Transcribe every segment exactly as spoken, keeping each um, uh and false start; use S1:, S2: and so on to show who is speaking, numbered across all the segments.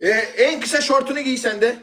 S1: Ee, en kısa şortunu giy sen de.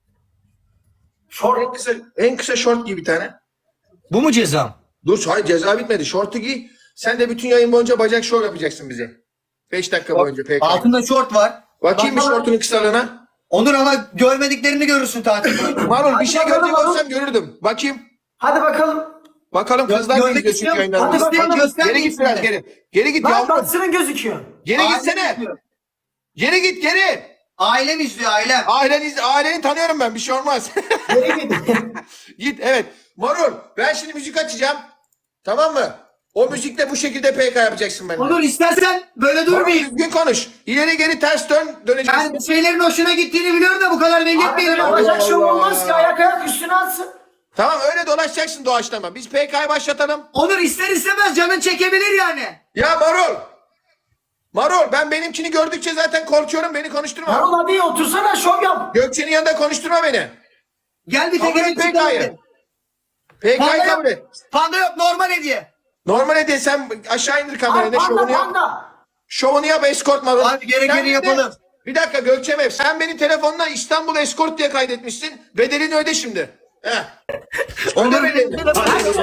S2: Şort.
S1: En kısa, en kısa şort giy bir tane.
S3: Bu mu cezam?
S1: Dur hayır ceza bitmedi. Şortu giy. Sen de bütün yayın boyunca bacak şov yapacaksın bize. Beş dakika boyunca peki.
S3: Altında şort var.
S1: Bakayım bir
S3: Bak-
S1: şortunun kısalığına.
S3: Onur ama görmediklerini görürsün tatil boyunca.
S1: Marul bir şey
S2: bakalım,
S1: görecek
S2: bakalım.
S1: olsam görürdüm. Bakayım.
S2: Hadi bakalım.
S1: Bakalım
S3: Gö-
S1: kızlar
S3: görmek
S1: geliyor çünkü
S3: istiyorum.
S1: yayınlarımızda.
S2: Hadi bakalım.
S3: Göster,
S1: Geri git biraz
S3: göster.
S1: geri. Geri git
S2: Lan
S1: yavrum.
S2: baksının gözüküyor.
S1: Geri
S3: Ailem
S1: gitsene.
S3: izliyor.
S1: Geri git geri.
S3: Ailem izliyor ailem.
S1: Aileni, aileni tanıyorum ben bir şey olmaz.
S2: Geri git.
S1: Git evet. Marul ben şimdi müzik açacağım. Tamam mı? O müzikle bu şekilde P K yapacaksın benimle.
S3: Onur istersen böyle
S1: Marul
S3: durmayayım.
S1: düzgün konuş. İleri geri ters dön döneceksin.
S3: Ben şeylerin hoşuna gittiğini biliyorum da bu kadar belli
S2: Abi
S3: etmeyelim.
S2: böyle bacak şov
S1: Allah.
S2: olmaz ki. Ayak ayak üstüne atsın.
S1: Tamam öyle dolaşacaksın doğaçlama. Biz P K'yı başlatalım.
S3: Onur ister istemez canın çekebilir yani.
S1: Ya Marul. Marul ben benimkini gördükçe zaten korkuyorum. Beni konuşturma.
S2: Marul hadi otursana şov yap.
S1: Gökçe'nin yanında konuşturma beni.
S3: Gel bir
S1: Kabul
S3: tekerin
S1: et P K'yı. P K'yı
S3: Panda
S1: kabul
S3: yok.
S1: et.
S3: Panda yok normal hediye.
S1: Normale de sen aşağı indir
S2: Ay
S1: kamerayı.
S2: panda
S1: Şovunu yap.
S2: panda.
S1: Şovunu yap eskort Marul.
S3: Hadi gerekeni
S1: Sen bir de-
S3: yapalım.
S1: Bir dakika Gökçe'm sen beni telefonla İstanbul Eskort diye kaydetmişsin. Bedelini öde şimdi. Heh.
S3: Onur
S1: Öde
S3: benim,
S1: bedelini.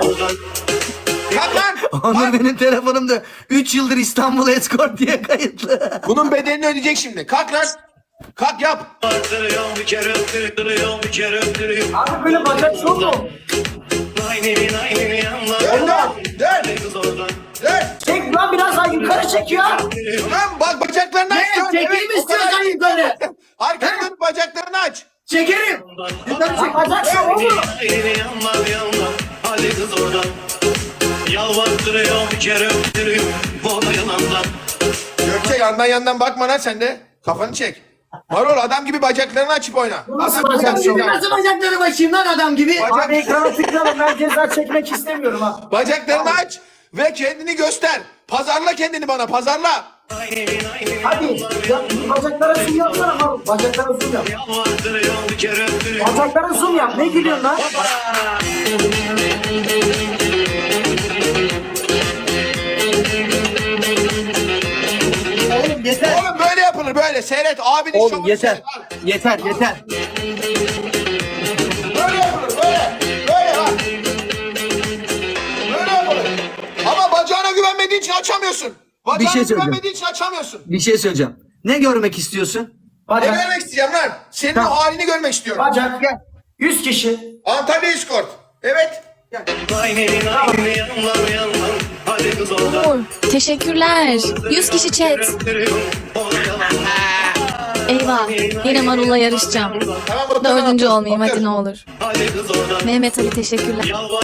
S1: Kalk lan.
S3: Onur
S1: Kalk.
S3: benim telefonumda üç yıldır İstanbul Escort diye kayıtlı.
S1: Bunun bedelini ödeyecek şimdi. Kalk lan. Kalk yap.
S4: Öptürüyorum bir kere öptürüyorum bir kere öptürüyorum.
S2: Abi böyle bacak şov mu?
S4: Aynı aynı yanlar.
S1: Dön lan. Dön.
S4: Kız oradan.
S1: Dön.
S2: Çek lan biraz daha yukarı çek ya.
S1: Lan bak bacaklarını aç.
S3: Ne?
S1: Dön.
S3: Çekeyim
S1: Evet, o kadar
S3: istiyorsan
S1: değil.
S3: yukarı.
S1: Arkanı dönüp bacaklarını aç.
S3: Çekerim. Yukarı çek.
S2: Bacak şov olur mu?
S4: Aynı yanlar yanlar. Hadi kız oradan. Yalvartırıyorum bir kere öptürüyorum. Bana yalandan.
S1: Gökçe yandan yandan bakma lan sen de. Kafanı çek. Marul adam gibi bacaklarını açıp oyna.
S2: Nasıl
S1: Adam gibi
S2: bacak
S1: açıp
S2: şov?
S1: oyna.
S3: Nasıl bacakları başıyım lan adam gibi?
S1: Bacak-
S2: Abi ekrana tıklayalım. Ben ceza çekmek istemiyorum ha.
S1: Bacaklarını aç ve kendini göster. Pazarla kendini bana pazarla.
S4: Aynı aynı
S2: Hadi ya, bacaklara zoom yapsana Marul. Bacaklara zoom yap.
S4: Yalvartırıyorum bir kere öptürüyorum.
S2: Bacaklara zoom yap. Ne gülüyorsun lan?
S3: Oğlum yeter.
S1: Oğlum böyle yapılır böyle. Seyret abinin
S3: Oğlum
S1: şovunu
S3: yeter.
S1: seyret. Al.
S3: Yeter yeter.
S1: Böyle yapılır böyle. Böyle bak. Böyle yapılır. Ama bacağına güvenmediğin için açamıyorsun. Bacağına
S3: Bir şey söyleyeceğim.
S1: güvenmediğin için açamıyorsun.
S3: Bir şey söyleyeceğim. Ne görmek istiyorsun?
S1: Ne
S2: Bacak.
S1: görmek isteyeceğim lan? Senin
S3: Tamam.
S1: o halini görmek istiyorum.
S2: Bacak.
S3: Gel.
S2: yüz kişi.
S1: Antalya Eskort. Evet.
S4: Aynı aynı yanlar yanlar. Hadi kız oradan.
S5: Uğur, teşekkürler. yüz kişi chat.
S4: Öptürüyorum. Bana yalandan.
S5: Eyvah. Yine Marul'la yarışacağım.
S1: Tamam, o zaman
S5: Dördüncü
S1: atıyorsun,
S5: olmayayım hadi
S1: atıyorsun.
S5: ne olur.
S4: Hadi kız oradan.
S5: Mehmet Ali teşekkürler.
S4: Yalvar